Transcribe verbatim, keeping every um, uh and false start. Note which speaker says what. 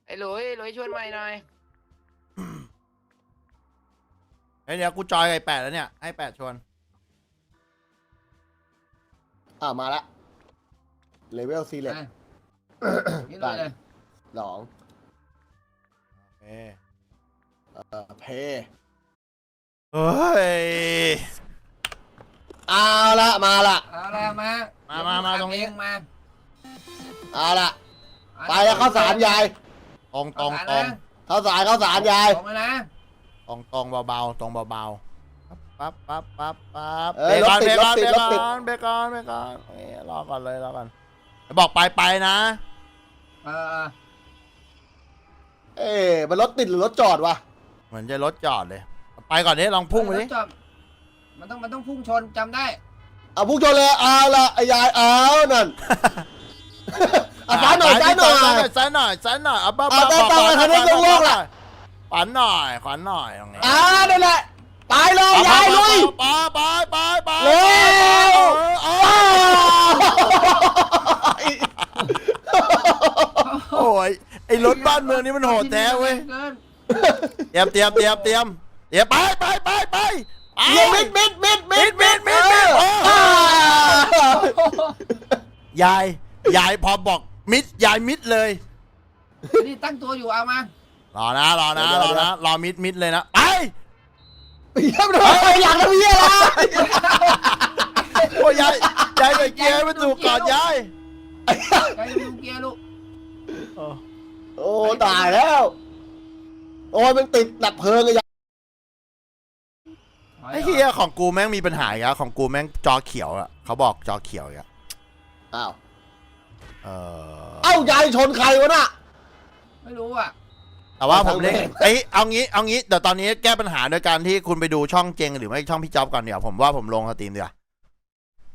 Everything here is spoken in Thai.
Speaker 1: อ้หลุยหลุยชวนใหม่หน่อย
Speaker 2: เฮ้ยเดี๋ยวกูจอยไอ้แปดแล้วเนี่ยให้แปดชวน
Speaker 3: อ่ามาละเลเวลซีเล็ก
Speaker 1: นี่เลยเลย
Speaker 3: สอง
Speaker 2: เอ้ย
Speaker 3: เอ่อเพ
Speaker 2: เฮ้ย
Speaker 3: เอาละมาละ
Speaker 1: เอาละมา
Speaker 2: มามามาตรงนี้
Speaker 1: เอมา
Speaker 3: เอาละไปแล้วข้าวสารยาย
Speaker 2: ตรงตรง
Speaker 1: เอา
Speaker 2: ต
Speaker 1: ละ
Speaker 2: รง
Speaker 3: ข้าวสารข้าวสารยาย
Speaker 1: ตรงเลยนะ
Speaker 2: ตรงตรงเบาๆตรงเบาๆปั๊บปั๊บปั๊บปั๊บ
Speaker 3: เอ
Speaker 2: เบ
Speaker 3: อ
Speaker 2: ร
Speaker 3: ร
Speaker 2: ก
Speaker 3: ถ
Speaker 2: อน
Speaker 3: ติ
Speaker 2: เบ
Speaker 3: ด
Speaker 2: ร
Speaker 3: ร
Speaker 2: ก
Speaker 3: ถ
Speaker 2: อน
Speaker 3: ติด รถติด
Speaker 2: เบรกอนเบรกอนเบรกอนเอ้ยรอก่อนเลยรอก่อนบอกไปไปนะ
Speaker 1: เออ
Speaker 3: เอ๊ะมันรถติดหรือรถจอดวะ
Speaker 2: เหมือนจะรถจอดเลยไปก่อนดิลองพุ่งไปดิ
Speaker 1: รถจอดมันต้องมันต้องพุ่งชนจำได้
Speaker 3: เอาพุ่งชนเลยเอาละไอ้ยายเอานั่นอ่ะซ้ายหน่อยซ้ายหน่อย
Speaker 2: ซ้ายหน่อยซ้ายหน่อยเอาบ้า
Speaker 3: เอาแต่แต่คันนี้ลงโลกล่ะ
Speaker 2: ขวัญหน่อยขวัญหน่อยตรงนี้
Speaker 3: อ่านั่นแหละไปเลยยายลุย
Speaker 2: ไปไปไปไป
Speaker 3: เร็ว
Speaker 2: โอ้ยไอ้รถบ้านเมืองนี่มันโหดแท้เว้ย
Speaker 1: กิน
Speaker 2: เตรียมเตรียมเตรียมเตรียมเตรียมไปไปไปไป
Speaker 3: เยี่ยมิดมิดมิดมิดมิดมิดมิด
Speaker 2: ยายยายพอบอกมิดยายมิดเลย
Speaker 1: เกินนี่ตั้งตัวอยู่เอามาร
Speaker 2: อนะรอนะรอนะรอมิดมิดเลยนะไป
Speaker 3: เยี่ยมเลยอยากทำเยี่ยละ
Speaker 2: โอ้ยยายยายไปเกียร์ไม่ถูกก่อนยาย
Speaker 1: ใจดูเกียร์ลูก
Speaker 3: โอ้ตายแล้วโอ้ยมันติดดับเพลิงเลยยาย
Speaker 2: ไอ้เฮียของกูแม่งมีปัญหาอีกแล้วของกูแม่งจอเขียวอะเขาบอกจอเขียวอีกแล้ว
Speaker 3: อ้าว
Speaker 2: เออ
Speaker 3: เอ้ายายชนใครวะน่ะ
Speaker 1: ไม่รู้อ่ะ
Speaker 2: แต่ว่าผมเล่น
Speaker 3: ทางแม่ง
Speaker 2: เอ้ยเอางี้เอางี้เดี๋ยวตอนนี้แก้ปัญหาโดยการที่คุณไปดูช่องเจงหรือไม่ช่องพี่จ๊อบก่อนเดี๋ยวผมว่าผมลงสตรีมดีกว่า